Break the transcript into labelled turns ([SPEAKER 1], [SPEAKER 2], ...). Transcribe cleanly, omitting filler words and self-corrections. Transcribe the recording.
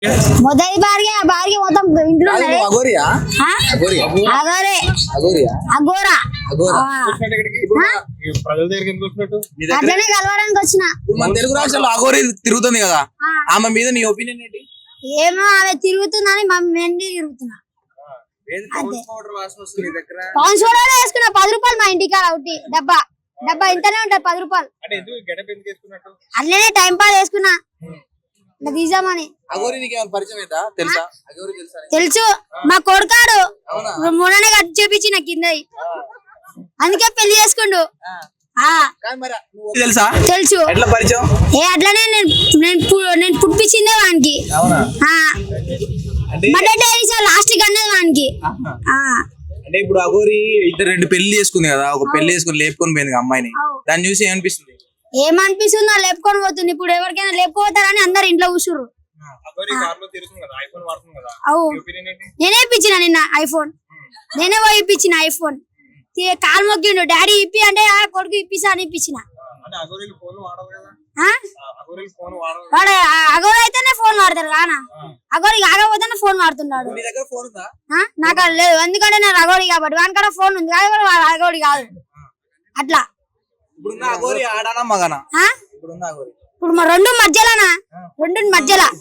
[SPEAKER 1] మొదటి భార్య మొత్తం ఇంట్లో అట్లనే కలవడానికి వచ్చిన.
[SPEAKER 2] మన తెలుగు రాష్ట్రాల్లో అఘోరి తిరుగుతుంది కదా, ఆమె మీద నీ ఒపీనియన్ ఏంటి?
[SPEAKER 1] ఏమో ఆమె తిరుగుతుందని మేము తిరుగుతున్నా. పౌన్స్ పౌడర్ వేసుకున్నా 10 రూపాయలు మా ఇంటికాడ ఒకటి డబ్బా ఇంతనే ఉంటది 10 రూపాయలు. అట్లనే టైం పాస్ వేసుకున్నా తీసామని. తెలుసు, మా కొడుకాడు మొన్ననే కట్టి చూపించిన కిందది, అందుకే పెళ్లి చేసుకుండు. తెలుసు అట్లనే నేను పుట్టించిందే వానికి. లాస్ట్ కి అన్నది వానికి.
[SPEAKER 2] అంటే ఇప్పుడు అఘోరి 2 పెళ్లి చేసుకుంది కదా, ఒక పెళ్లి చేసుకుని లేపుకొని పోయింది అమ్మాయిని, దాన్ని చూసి ఏమనిపిస్తుంది?
[SPEAKER 1] ఏమనిపిస్తుందో లేపుకొని పోతుంది. ఇప్పుడు ఎవరికైనా లేపుకోతారని అందరు ఇంట్లో కూర్చుర్రు. నేనే ఇప్పించిన నిన్న ఐఫోన్, నేనే పోయి ఇప్పించిన ఐఫోన్. కాలు మొక్కిండు, డాడీ ఇప్పి అంటే కొడుకు ఇప్పిస్తా అని ఇప్పించిన. వాడు అఘోరి అయితేనే ఫోన్ వాడతారు కానా, అఘోరి కాకపోతేనే ఫోన్ వాడుతున్నాడు. నాకు లేదు, ఎందుకంటే నేను అఘోరి కాబట్టి. వానికాడ ఫోన్ ఉంది కాబట్టి వాడు అఘోరి కాదు. అట్లా ఇప్పుడు రెండు మధ్యలోనా, రెండు మధ్యలో